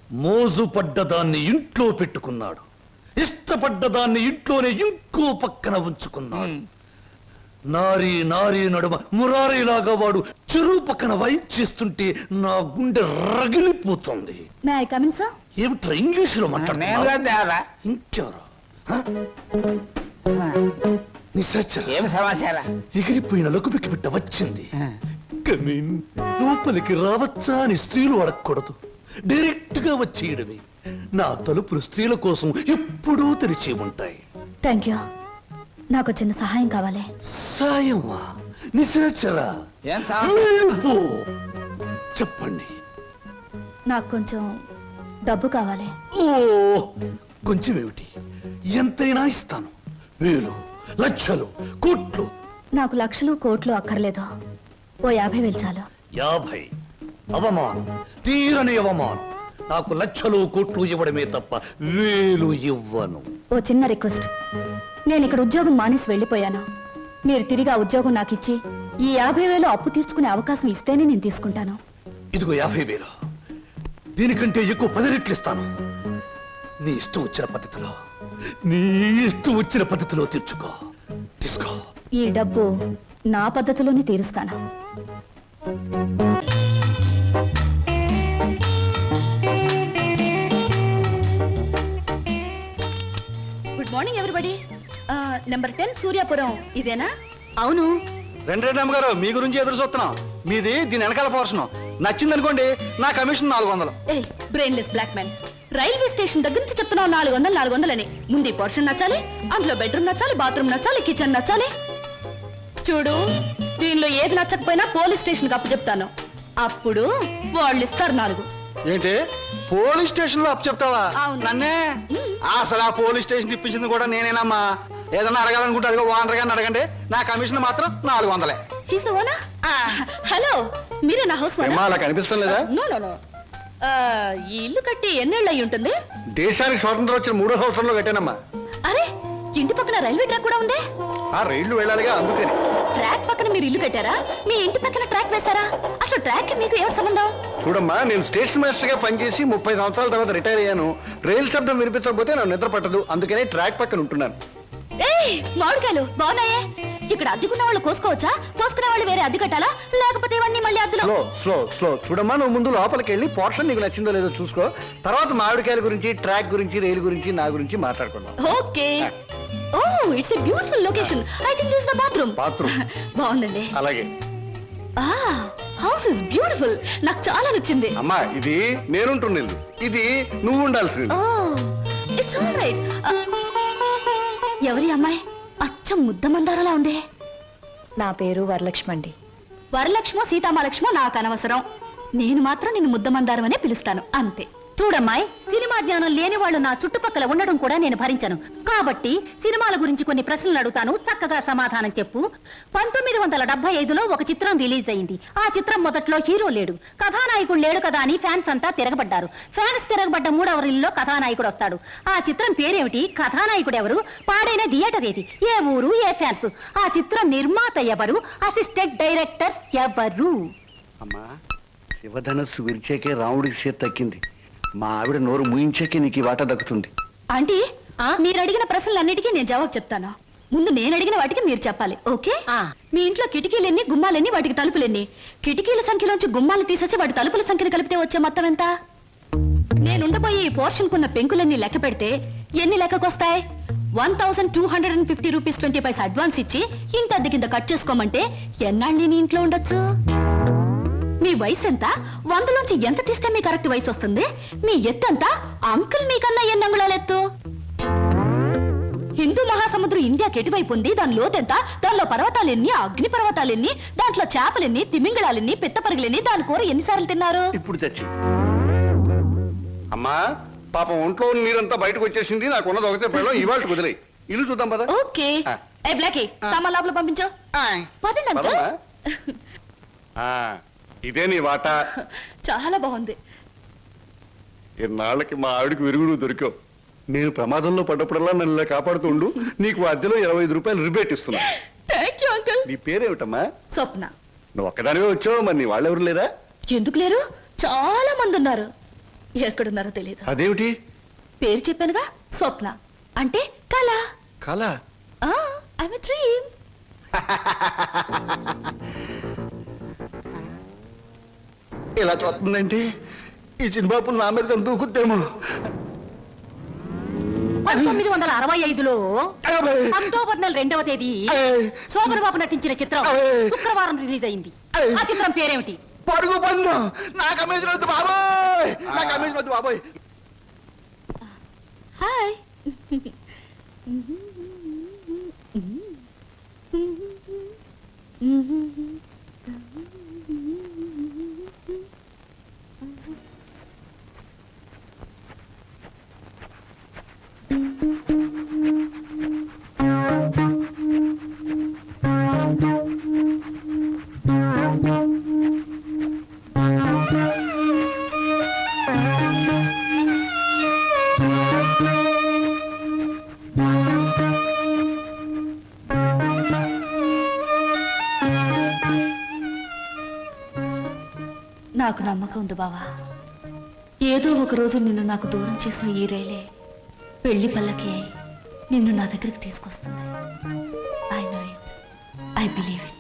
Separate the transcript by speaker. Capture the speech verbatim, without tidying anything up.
Speaker 1: మోజు పడ్డదాన్ని ఇంట్లో పెట్టుకున్నాడు, ఇష్టపడ్డదాన్ని ఇంట్లోనే ఇంకో పక్కన ఉంచుకున్నాడు. నారీ నారీ నడుమ మురారీలాగా వాడు చెరువు పక్కన వైప్ చేస్తుంటే నా గుండె రగిలిపోతుంది. ఏమిట్రా ఇంగ్లీషులో మాట్లాడుతున్నా? ఇంకెవరు? ఎగిరిపోయిన లకుపికి బిడ్డ వచ్చింది. కమీన్, లోపలికి రావచ్చా అని స్త్రీలు అడగకూడదు, డైరెక్ట్ గా వచ్చేయడమే. నా తలుపులు స్త్రీల కోసం ఎప్పుడూ తెరిచి ఉంటాయి.
Speaker 2: Thank you. నాకు చిన్న సహాయం కావాలి.
Speaker 1: సాయమా? నిశాచరా, చెప్పండి.
Speaker 2: నాకు కొంచెం డబ్బు కావాలి.
Speaker 1: ఓ, కొంచెం ఏమిటి, ఎంతైనా ఇస్తాను. వేలు, లక్షలు, కోట్లు.
Speaker 2: నాకు లక్షలు కోట్లు అక్కర్లేదు. ఓ యాభై వేలు చాలు.
Speaker 1: యాభై? అవమానం, తీరని అవమానం. నాకు లక్షలు కోట్లు ఇవ్వడమే తప్ప వేలు ఇవ్వను.
Speaker 2: ఓ చిన్న రిక్వెస్ట్. నేను ఇక్కడ ఉద్యోగం మానేసి వెళ్ళిపోయాను. మీరు తిరిగి ఆ ఉద్యోగం నాకు ఇచ్చి ఈ యాభై వేలు అప్పు తీర్చుకునే అవకాశం ఇస్తేనే నేను తీసుకుంటాను.
Speaker 1: ఇదిగో యాభై వేలు. దీనికంటే ఎక్కువ పది రెట్లు ఇస్తాను. నీ ఇష్టం వచ్చిన పద్ధతిలో, నీ ఇష్టం వచ్చిన పద్ధతిలో తీర్చుకో. తీసుకో.
Speaker 2: ఈ డబ్బు నా పద్ధతిలోనే తీరుస్తాను. Good morning everybody. Number ten Suryapuram ఇదేనా? అవును.
Speaker 3: రెండు రెండు అమ్మగారు, మీ గురించి ఎదురు చూస్తున్నాం. మీది దీని వెనకాల పోర్షన్. నచ్చింది అనుకోండి, నా కమిషన్ నాలుగు వందలు.
Speaker 2: ఏ brainless black man, railway station దగ్గర నుంచి చెప్తున్నావు నాలుగు వందలు నాలుగు వందలని. ముందు పోర్షన్ నచ్చాలి, అందులో బెడ్రూమ్ నచ్చాలి, బాత్రూమ్ నచ్చాలి, కిచెన్ నచ్చాలి. చూడు, దీనిలో ఏది నచ్చకపోయినా పోలీస్ స్టేషన్ కి అప్పు చెప్తాను. అప్పుడు వాళ్ళు ఇస్తారు నాలుగు.
Speaker 3: ఏంటి, పోలీస్ స్టేషన్ లో అప్పు చెప్తావా?
Speaker 2: అవును.
Speaker 3: నన్నే? అసలు ఆ పోలీస్ స్టేషన్ ఇప్పించింది కూడా నేనేనమ్మా. ఏదన్నా అడగాలనుకుంటే అదిగో ఓనర్ గారిని అడగండి. నా కమిషన్ మాత్రం నాలుగు వందలే.
Speaker 2: హలో, మీరే నా హౌస్
Speaker 3: అలా కనిపిస్తాం లేదా?
Speaker 2: No no no. ఈ ఇల్లు కట్టి ఎన్నేళ్ళు అయి ఉంటుంది?
Speaker 3: దేశానికి స్వాతంత్రం వచ్చిన మూడో సంవత్సరంలో కట్టానమ్మా.
Speaker 2: అరే, ఇంటి పక్కన రైల్వే ట్రాక్ కూడా ఉంది.
Speaker 3: ఆ రైళ్లు వెళ్ళాలిగా, అందుకని.
Speaker 2: ట్రాక్ పక్కన మీరు ఇల్లు కట్టారా? మీ ఇంటి పక్కన ట్రాక్ వేశారా? అసలు ట్రాక్ మీకు ఏమిటి సంబంధం?
Speaker 3: చూడమ్మా, నేను స్టేషన్ మాస్టర్ గా పనిచేసి ముప్పై సంవత్సరాల తర్వాత రిటైర్ అయ్యాను. రైలు శబ్దం వినిపించకపోతే నాకు నిద్ర పట్టదు, అందుకనే ట్రాక్ పక్కన ఉంటున్నాను.
Speaker 2: ఏయ్, మామిడికాయలు బాగున్నాయే. ఇక్కడ అద్దెకున్న వాళ్ళు కోసుకోవచ్చా? కోసుకునే వాళ్ళు వేరే అద్దె కట్టాలా? లేకపోతే ఇవన్నీ మళ్ళీ అద్దెలో?
Speaker 3: స్లో స్లో స్లో చూడమ్మా, నువ్వు ముందు లోపలికి వెళ్ళి పోర్షన్ నీకు నచ్చిందో లేదో చూసుకో. తర్వాత మామిడికాయల గురించి, ట్రాక్ గురించి, రైలు గురించి, నా గురించి మాట్లాడుకుందాం.
Speaker 2: Okay. Oh, it's a beautiful location. I think this is the bathroom.
Speaker 3: Bathroom
Speaker 2: బాగుందండి.
Speaker 3: అలాగే.
Speaker 2: ఆ, హౌస్ ఇస్ బ్యూటిఫుల్. నాకు చాలా నచ్చింది.
Speaker 3: అమ్మా, ఇది నేనుంటున్న ఇల్లు, ఇది నువ్వు ఉండాల్సింది.
Speaker 2: Oh, it's all right. ఎవరి అమ్మాయి? అచ్చం ముద్ద మందారలా ఉంది.
Speaker 4: నా పేరు వరలక్ష్మి అండి.
Speaker 2: వరలక్ష్మో సీతామలక్ష్మో నాకు అనవసరం. నేను మాత్రం నిన్ను ముద్ద మందారం అనే పిలుస్తాను, అంతే. చూడమ్మాయి, సినిమా జ్ఞానం లేని వాళ్ళు నా చుట్టుపక్కల ఉండడం కూడా నేను భరించను. కాబట్టి సినిమాల గురించి కొన్ని ప్రశ్నలు అడుగుతాను, చక్కగా సమాధానం చెప్పు. పంతొమ్మిది వందల డెబ్బై ఐదులో ఒక చిత్రం రిలీజ్ అయింది. ఆ చిత్రం మొదట్లో హీరో లేడు, కథానాయకుడు లేడు కదా అని ఫ్యాన్స్ అంతా తిరగబడ్డారు. ఫ్యాన్స్ తిరగబడ్డ మూడవ రీల్లో కథానాయకుడు వస్తాడు. ఆ చిత్రం పేరేమిటి? కథానాయకుడు ఎవరు? పాడైన థియేటర్ ఏది? ఏ ఊరు? ఏ ఫ్యాన్స్? ఆ చిత్రం నిర్మాత ఎవరు? అసిస్టెంట్ డైరెక్టర్ ఎవరు?
Speaker 3: అమ్మా, శివధనస్సు విరిచేకే రాముడికి చేతి తక్కింది. మా ఆవిడ నోరు ముయించాకే నీకు ఈ వాటా దక్కుతుంది.
Speaker 2: ఆంటీ, మీరు అడిగిన ప్రశ్నలన్నిటికీ నేను జవాబు చెప్తాను. ముందు నేను అడిగిన వాటికి మీరు చెప్పాలి, ఓకే? మీ ఇంట్లో కిటికీలెన్ని, గుమ్మాలెన్ని, వాటికి తలుపులెన్ని? కిటికీల సంఖ్యలోంచి గుమ్మాలు తీసేసి వాటి తలుపుల సంఖ్యను కలిపితే వచ్చే మొత్తం ఎంత? నేనుండబోయే ఈ పోర్షన్ కున్న పెంకులన్నీ లెక్క పెడితే ఎన్ని లెక్కకొస్తాయి? One thousand two hundred and fifty rupees twenty paise advance ఇచ్చి ఇంత అద్దె కింద కట్ చేసుకోమంటే ఎన్నాళ్ళు నీ ఇంట్లో ఉండొచ్చు? మీ వయసు ఎంత? వందలోంచి ఎంత తీస్తే మీ కరెక్ట్ వయసు వస్తుంది? మీ ఎత్తు ఎంత? అంకుల్ మీకన్నా ఎన్ని అంగుళాల ఎత్తు? హిందూ మహాసముద్రం ఇండియాకి ఎటువైపు ఉంది? దాని లోతెంత? దానిలో పర్వతాలెన్ని, అగ్ని పర్వతాలెన్ని, దాంట్లో చేపలెన్ని, తిమింగళాలెన్ని, పిత్తపరిగలెన్ని, దాని కూర ఎన్నిసార్లు తిన్నారు?
Speaker 3: ఇప్పుడు తెచ్చి అమ్మా, పాపం ఒంట్లో నీరంతా బయటకు వచ్చేసింది. నాకు ఉన్నది ఒకటే పిల్లలు, ఇవాళ కుదిలే. ఇల్లు చూద్దాం పద.
Speaker 2: ఓకే. ఏ బ్లాకీ, సామాన్ లోపల పంపించు. పదండి అంకుల్.
Speaker 3: ఇదే నీ వాటా.
Speaker 2: చాలా బాగుంది.
Speaker 3: ఇన్నాళ్ళకి మా ఆవిడికి విరుగుడు దొరికావు. నేను ప్రమాదంలో పడ్డప్పుడల్లా నన్ను ఇలా కాపాడుతుండు. నీకు అద్దెలో ఇరవై ఐదు రూపాయలు రిబేట్ ఇస్తున్నా.
Speaker 2: Thank you uncle.
Speaker 3: నీ పేరేమిటమ్మా?
Speaker 2: స్వప్న.
Speaker 3: నువ్వు ఒక్కదానివే వచ్చావు, మరి నీ వాళ్ళెవరు లేరా?
Speaker 2: ఎందుకు లేరు? చాలా మంది ఉన్నారు. ఎక్కడున్నారో తెలియదు.
Speaker 3: అదేమిటి?
Speaker 2: పేరు చెప్పానుగా, స్వప్న అంటే కళ.
Speaker 3: కళ?
Speaker 2: I'm a dream.
Speaker 3: ఇలా చూస్తుందంటే ఈ చిన్నబాబులు నా మీద దూకుద్దేమో.
Speaker 2: పంతొమ్మిది వందల అరవై ఐదులో అక్టోబర్ నెల రెండవ తేదీ శోభన్ బాబు నటించిన చిత్రం శుక్రవారం రిలీజ్ అయింది. ఆ చిత్రం పేరేమిటి?
Speaker 3: పరుగు పందు. నాకు అమేజన్ వద్దు బాబోయ్, నాకు అమేజన్ వద్దు బాబోయ్.
Speaker 2: హాయ్. నాకు నమ్మకం ఉంది బావా, ఏదో ఒక రోజు నిన్ను నాకు దూరం చేసిన ఈ రైలే పెళ్లి పల్లకి అయి నిన్ను నా దగ్గరికి తీసుకొస్తుంది. I know it, I believe it.